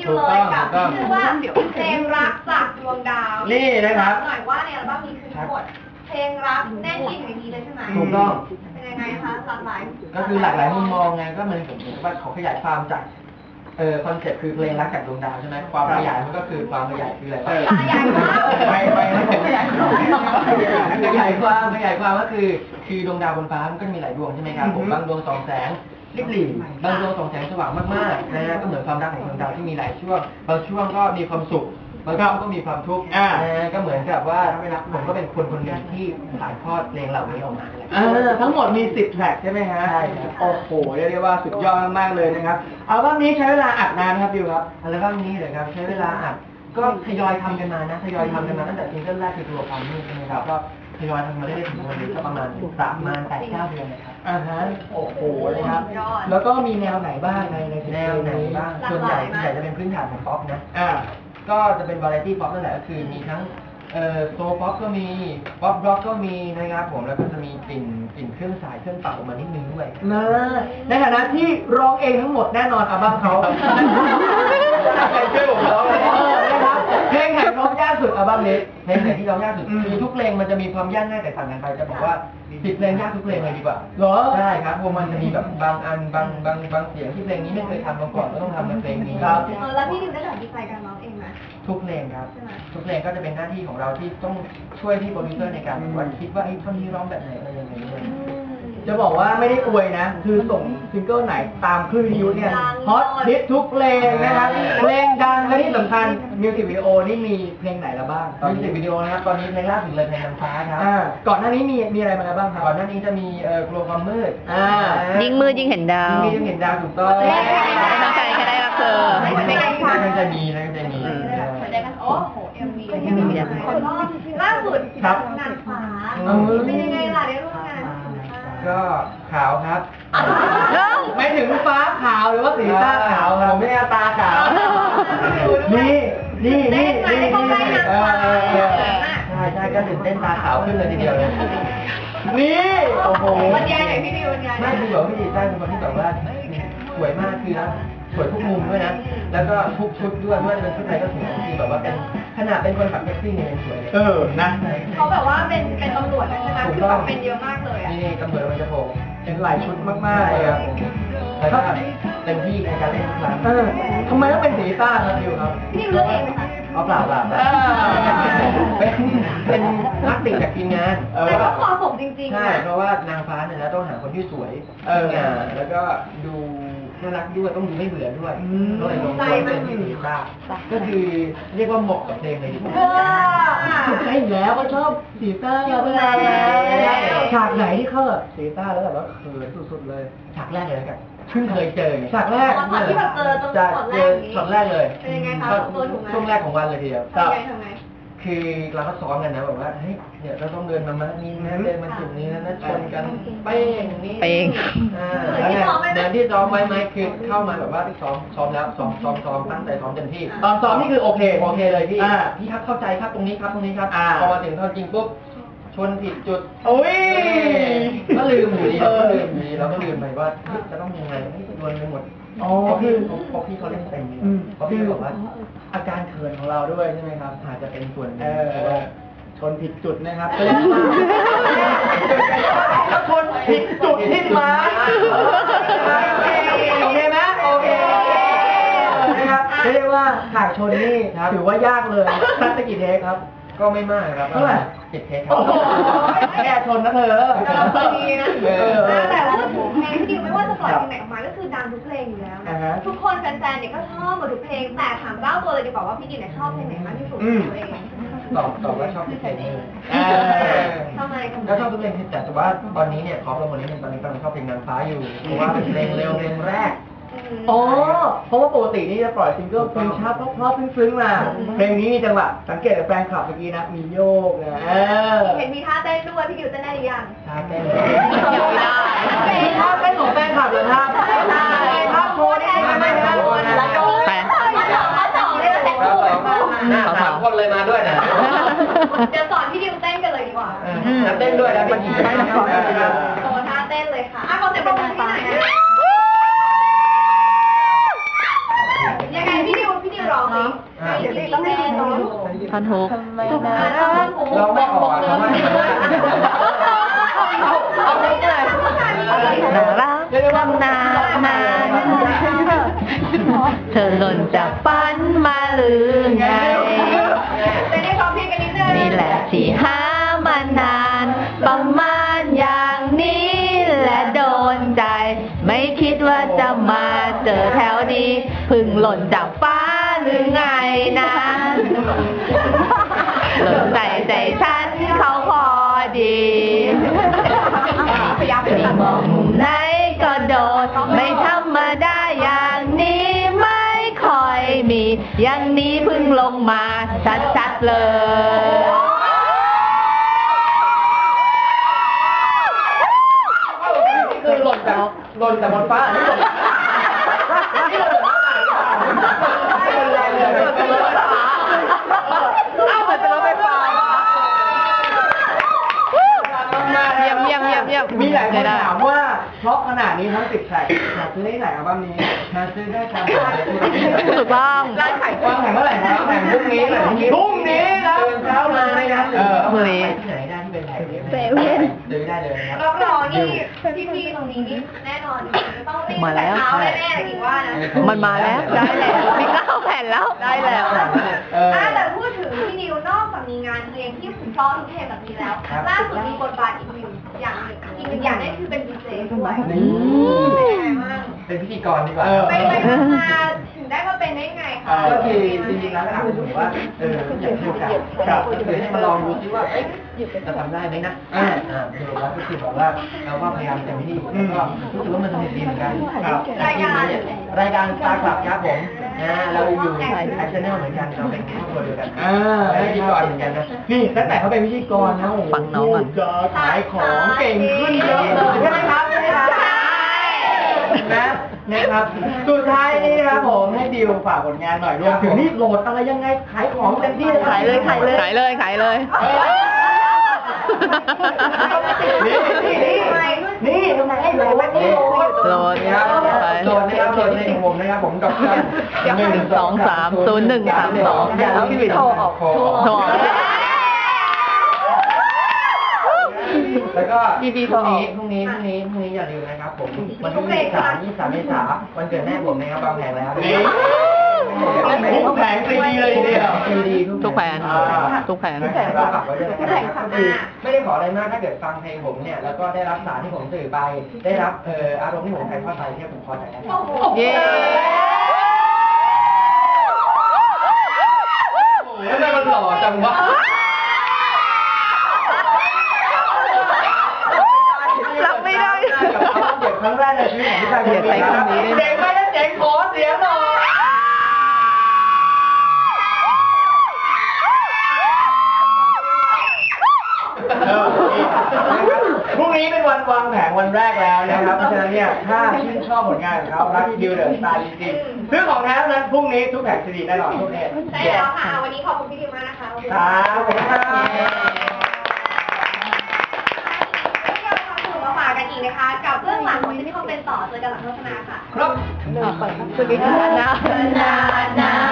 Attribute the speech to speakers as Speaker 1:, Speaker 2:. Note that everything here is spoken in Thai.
Speaker 1: ดิวเลยกับชื่อว่าเพลงรักจากดวงดาว
Speaker 2: นี่นะครับ
Speaker 1: หน่อยว่าในอัลบั้มนี้คือทั้งหมดเพลงรักแน่นยิ่งอย่างนี้เลยใช่ไหม
Speaker 2: ถูกต้อง
Speaker 1: เป็นยังไงคะหลากหลาย
Speaker 2: ก็คือหลากหลายมุมมองไงก็เหมือนว่าเขาขยายความจากคอนเซ็ปต์คือเพลงรักจากดวงดาวใช่ไหมความขยายมันก็คือความขยายคืออะไร
Speaker 1: ขยายความ
Speaker 2: ไปขยายความก็คือดวงดาวบนฟ้ามันก็มีหลายดวงใช่ไหมครับผมบางดวงส่องแสงริบหรี่บางดวงส่องแสงสว่างมากๆนะฮะก็เหมือนความรักของดวงดาวที่มีหลายช่วงบางช่วงก็มีความสุขบางช่วงก็มีความทุกข์ก็เหมือนกับว่าผมก็เป็นคนหนึ่งที่ถ่ายทอดเพลงเหล่านี้ออกมา
Speaker 3: ทั้งหมดมี10แทร็กใช่ไหมฮะ
Speaker 2: ใช่ครับ
Speaker 3: โอ้โหเรียกได้ว่าสุดยอดมากเลยนะครับอัลบั้มนี้ใช้เวลาอัดนานครับดิวครับ
Speaker 2: อัลบั้มนี้เลยครับใช้เวลาอัดก็ทยอยทำกันมาตั้งแต่ซิงเกิลแรกคือตัวความมืดใช่ไหมครับก็ทยอยทำมาเรื่อยๆถึงวันนี้ก็ประมาณ8-9 เดือนนะครับ
Speaker 3: โอ้โหนะครับแล้วก็มีแนวไหนบ้างใน
Speaker 2: แนวไหนบ้างส่วนใหญ่จะเป็นพื้นฐานของป๊อปนะก็จะเป็นวาไรตี้ป๊อปนั่นแหละก็คือมีทั้งโซป๊อปก็มีป๊อปร็อกก็มีนะครับผมแล้วก็จะมีกลิ่นเครื่องสายเครื่องเป่ามานิดนึงด้วย
Speaker 3: ในฐานะที่ร้องเองทั้งหมดแน่นอนอัลบั้มเขา
Speaker 2: ใครช่วยผมร้อง
Speaker 3: นะครับเพลงไหนร้องยากสุดอัลบั้มนี้
Speaker 2: เพลงไหนที่ร้องยากสุดคือทุกเพลงมันจะมีความยากง่ายแตกต่างกันไปจะบอกว่า10 เพลงยากทุกเพลงเลยดีกว่า
Speaker 3: เหรอ
Speaker 2: ใช่ครับเพราะมันจะมีแบบบางอันบางเสียงที่เพลงนี้ไม่เคยทำมาก่อนก็ต้องทำในเพลงนี้
Speaker 1: ครับแล้วพี่ดิวได้ตัดสินใจการร้องเองไหม
Speaker 2: ทุกเพลงครับทุกเพลงก็จะเป็นหน้าที่ของเราที่ต้องช่วยที่โปรดิวเซอร์ในการว่าคิดว่าไอ้ท่อนนี้ร้องแบบไหนอะไรยังไงด้วย
Speaker 3: จะบอกว่าไม่ได้อวยนะคือส่งซิงเกิลไหนตามคลื่นวิทยุเนี่ยฮอตฮิตทุกเพลงนะครับเพลงดังและที่สำคัญมิวสิกวิดีโอนี่มีเพลงไหนแล้วบ้าง
Speaker 2: มิวสิกวิดีโอนะครับตอนนี้เพลงล่าสุดเลยเพลงนางฟ้าครับ
Speaker 3: ก่อนหน้านี้มีอะไรมาแล้วบ้างครับ
Speaker 2: ก่อนหน้านี้จะมีกลัวความมืด
Speaker 4: ยิ่งมืดยิ่งเห็นดาว
Speaker 2: ยิ่งเห็นดาวถูกต้อง
Speaker 4: ทั้งใจแค่ได้รักเธอ
Speaker 2: น่าจะมี
Speaker 1: โอ้โหMVล่าสุดนางฟ้าเป็นยังไงล่ะได้ร่วมงาน
Speaker 2: ก็ขาวครับ
Speaker 3: ไม่ถึงฟ้าขาวหรือว่าสีตาขาวผมไม่ตาขาวนี่
Speaker 2: ใช่ก็ตื่นเต้นตาขาวขึ้นเลยทีเดียวเลย
Speaker 3: นี่โอ้โห
Speaker 1: บรรยายหน่อยพี่ดิวบรรยาย
Speaker 2: ไม่คือแบบพี่ดีใช่เป็นคนที่แบบว่าสวยมากคือนะสวยทุกมุมด้วยนะแล้วก็ทุกชุดด้วยไม่ว่าจะเป็นชุดไหนก็สวยคือแบบว่าเป็นขนาดเป็นคนขับแท็กซี่เนี่ยยังสวย
Speaker 3: นะ
Speaker 1: เขาแบบว่าเป็นตำรวจใช่ไหมคือแบบเป็นเยอะมากเลย
Speaker 2: นี่ตำรวจมันจะโผล่
Speaker 3: เป็นหลายชุดมากๆเลยครับ
Speaker 2: แล้วก็เต็มที่ในการเล่นทุกครั้ง
Speaker 3: ทำไมต้องเป็นสีต้าครับดิวครับ
Speaker 1: พี่ดิวเลือกเองไหมคะ
Speaker 2: เปล่าเป็นนักติ่งจากทีมงาน
Speaker 1: แต่ก็เหมาะสมจริงๆ
Speaker 2: ใช่เพราะว่านางฟ้าเนี่ยนะต้องหาคนที่สวยงามแล้วก็ดูน่ารักด้วยต้องดูไม่เบื่อด้วยก็เลยลงตัวเป็นที่สีต้าก็คือเรียกว่าเหมาะกับเพลงเลยดีกว่า
Speaker 3: ใช่แล้วก็ชอบสีต้าฉากไหนที่เข้าสีต้าแล้วแบบว่าเขินสุดๆเลย
Speaker 2: ฉากแรกเลยแล้วกันเพิ่งเคยเจอ
Speaker 3: ฉากแรก
Speaker 1: ที่แบบเจอตรง
Speaker 2: ช็อตแรกเลย
Speaker 1: เป็นยังไงคะตัวถูกไหม
Speaker 2: ช่วงแรกของวันเลยทีเดียว
Speaker 1: ทำไง
Speaker 2: คือเราก็ซ้อมกันนะแบบว่าเฮ้ยเนี่ยเราต้องเดินมานี้นะเดินมาจุดนี้นะชนกันเป้งนี่
Speaker 4: เป้ง
Speaker 2: แล้วเนี่ยเดินที่ซ้อมไว้ไหมคือเข้ามาแบบว่าที่ซ้อมแล้วซ้อมตั้งใจซ้อมเต็มที่
Speaker 3: ตอนซ้อมนี่คือโอเค
Speaker 2: เลยพี่ครับเข้าใจครับตรงนี้ครับพอมาถึงตอนจริงปุ๊บชนผิดจุดก็ลืมอยู่ดีเราก็ลืมไปว่าจะต้องยังไงโดนไปหมดเพราะพี่เขาเล่นเต็มเพราะพี่บอกว่า
Speaker 3: อาการเขินของเราด้วยใช่ไหมครับ
Speaker 2: อาจจะเป็นส่วน
Speaker 3: ชนผิดจุดนะครับชนผิดจุดที่มาโอเคไหมโอเคนะครับเรียกว่าฉากชนนี่ถือว่ายากเลยสักกี่เทคครับ
Speaker 2: ก็ไม่มากครับ
Speaker 3: เท่าไหร่
Speaker 2: 10 เทคครับ
Speaker 3: แค่ชนนะเธอ
Speaker 1: ดีนะแต่ว่าเพลงที่ดิวไม่ว่าจะปล่อยเพลงไหนออกมาก็คือดังทุกเพลงอยู่แล้วทุกคนแฟนๆเนี่ยก็ชอบหมดทุกเพลงแต่ถามเล่าตัวเลยดีกว่าว่าพี่ดิวเนี่ยชอบเพลงไหนมากที่สุดตัวเอง
Speaker 2: ตอบว่าชอบทุกเพลง
Speaker 1: ทำไม
Speaker 2: ก็ชอบทุกเพลงแต่ว่าตอนนี้เนี่ยขอโปรโมทนิดนึงตอนนี้กำลังชอบเพลงนางฟ้าอยู่เพราะว่าเป็นเพลงเร็วเพลงแรก
Speaker 3: เพราะว่าปกตินี่จะปล่อยซิงเกิลเพลงช้าเพราะๆซึ้งๆมาเพลงนี้มีจังหวะสังเกตจากแฟนคลับเมื่อกี้นะมีโยกนะ
Speaker 1: เห็นมีท่าเต้นด้วยพี่ดิวเต้นได้หรือยัง
Speaker 2: ท่าเต้น
Speaker 4: ยังไม่ได้
Speaker 3: มีท่าเต้นของแฟนคลับเหรอครับท่าโชว์นี่ไม่ได้
Speaker 1: แล้วโชว์เขาสอนเลยแต่
Speaker 2: เขา3 คนเลยมาด้วยนะ
Speaker 1: เดี๋ยวสอนพี่ดิวเต้นกันเลยดีกว่า
Speaker 2: เต้นด้วยนะเป็นท่า
Speaker 1: โชว์ท่าเต้นเลยค่ะขอเสียงปรบมือที่ไหนนะยังไงพี่ดิวเดี๋ยวต้องให้น้อง
Speaker 4: ท่อนฮุก
Speaker 2: เราไม่ออกอ่ะเราไม่ออก
Speaker 4: เอาไปเลยน่ารักนานเธอหล่นจากฝันมาหรือไง
Speaker 1: จะได้ซ้อมเพลงกันนิดนึง
Speaker 4: นี่แหละที่หามานานประมาณอย่างนี้และโดนใจ ไม่คิดว่าจะมาเจอแถวนี้เพึ่งหล่นจากฟ้าหรือไงนะหล่นใจใจฉันเขาพอดีมีมองมุมไหนก็โดนไม่ธรรมดาอย่างนี้ไม่ค่อยมีอย่างนี้เพึ่งลงมาชัดๆเลย
Speaker 2: คือหล่นจากบนฟ้าอันนี้หล่นนี่หล่นจากฟ้าหล่นจากรถไฟฟ้าอ้าวเหมือนเป็นรถไฟฟ้า
Speaker 4: เยี่ยมเยี่ยมเยี่ยมเยี่ยม
Speaker 3: มีหลายคนถามว่าเพราะขนาดนี้ทั้ง10แทร็กอยากซื้อได้ไหนอัลบั้มนี้
Speaker 2: หาซื้อได้ตาม
Speaker 4: ถูกต้อง
Speaker 3: ร้านขายของแข่งเมื่อไหร่ครับแข่งพรุ่งนี้นะพรุ่งนี้นะ
Speaker 2: ตื่นเช้ามาเลยนะ
Speaker 4: พรุ่งนี้
Speaker 2: ที่ไหนได้ที่เป็นแผงนี้ซื้อได้เลยนะครับ
Speaker 1: รับรองนี่พี่ๆตรงนี้นี่แน่นอนจะต้องรีบ
Speaker 4: มาแล้ว
Speaker 1: เช้าแน่ๆเลยคิดว่านะ
Speaker 4: มันมาแล้วได้แล้วมี9 แผ่นแล้วได้แล้ว
Speaker 1: แต่พูดถึงพี่นิวนอกจากมีงานเพลงที่ผมชอบทุกเพลงแบบนี้แล้วล่าสุดมีบทบาทอีกหนึ่งอย่างนั่นคือเป็นดีเจด้วยเป็นไงบ้าง
Speaker 2: เป็นพิธีกรดีกว่า
Speaker 1: ไปมาถึงได้มาเป็นได้ไงคะ
Speaker 2: ก็คือจริงๆแล้วถามผมว่าอยากให้โอกาสคือให้มาลองดูซิว่าจะทำได้ไหมนะดูแล้วก็คือบอกว่าเราก็พยายามเต็มที่แล้วก็รู้สึกว่ามันสนุกดีเหมือนกันรายการตาคลับครับผมเราอยู่แอคชั่นแนลเหมือนกันเราเป็นครอบครัวเดียวกันเป็นพิธีกรเหมือนกันนะ
Speaker 3: นี่ตั้งแต่เขาเป็นพิธีกรนะโอ้โห
Speaker 4: ฟังน้องก่อน
Speaker 3: จะขายของเก่งขึ้นเยอะเลยใช่ไหมครับใช่ไหมครับนะครับสุดท้ายนี้นะครับผมให้ดิวฝากผลงานหน่อยรวมถึงนี่โหลดอะไรยังไงขายของเต็มที่
Speaker 4: ขายเลยขายเลยขายเลยขายเลย
Speaker 3: นี่ทำไมให้โหลดนี่
Speaker 4: โหลด
Speaker 2: นะครับโหลดนะครับโหลดในของผมนะครับผมดอกจัน
Speaker 4: 1230132
Speaker 2: อย่าลืมโทรออก
Speaker 4: โทรออก
Speaker 2: แล้วก็พรุ่งนี้อย่าลืมนะครับผมวันที่23เมษายนวันเกิดแม่ผมนะครับบางแผงแล้ว
Speaker 3: ทุกแผงซีดีเลยทีเดียว
Speaker 4: ทุกแผงทุกแผง
Speaker 2: เราฝากไว้ด้วยนะครับก็คือไม่ได้ขออะไรมากถ้าเกิดฟังเพลงผมเนี่ยแล้วก็ได้รับสารที่ผมสื่อไปได้รับอารมณ์ที่ผมถ่ายทอดไปเนี่ยผมพอใจแล้ว
Speaker 4: เย้
Speaker 2: ทำไมมันหล่อจังวะ
Speaker 4: รับไม่ได้
Speaker 3: เก็บครั้งแรกในชีวิตของพี่ชายคนนี้
Speaker 4: เดี๋ยวใช้คำนี้ได้ไหม
Speaker 3: เจ๋งไหมนะเจ๋งขอเสียงหน่อยพรุ่งนี้เป็นวันวางแผงวันแรกแล้วนะครับเพราะฉะนั้นเนี่ยถ้าชื่นชอบผลงานของเขารักดิวเดอะสตาร์จริงๆซื้อของแท้นั้นพรุ่งนี้ทุกแผงซีดีแน่นอนทุกเพจ
Speaker 1: ใช่แล้วค่ะวันนี้ขอบคุณพี่ดิวมากนะคะ
Speaker 3: ครับขอบคุณครับ
Speaker 1: มาฝากกันอีกนะคะกับเรื่องหลังของที่เขาเป็นต่อเจอกันหลังโฆษณาค่ะ
Speaker 2: ครับ
Speaker 4: สวัสดีค่ะนะ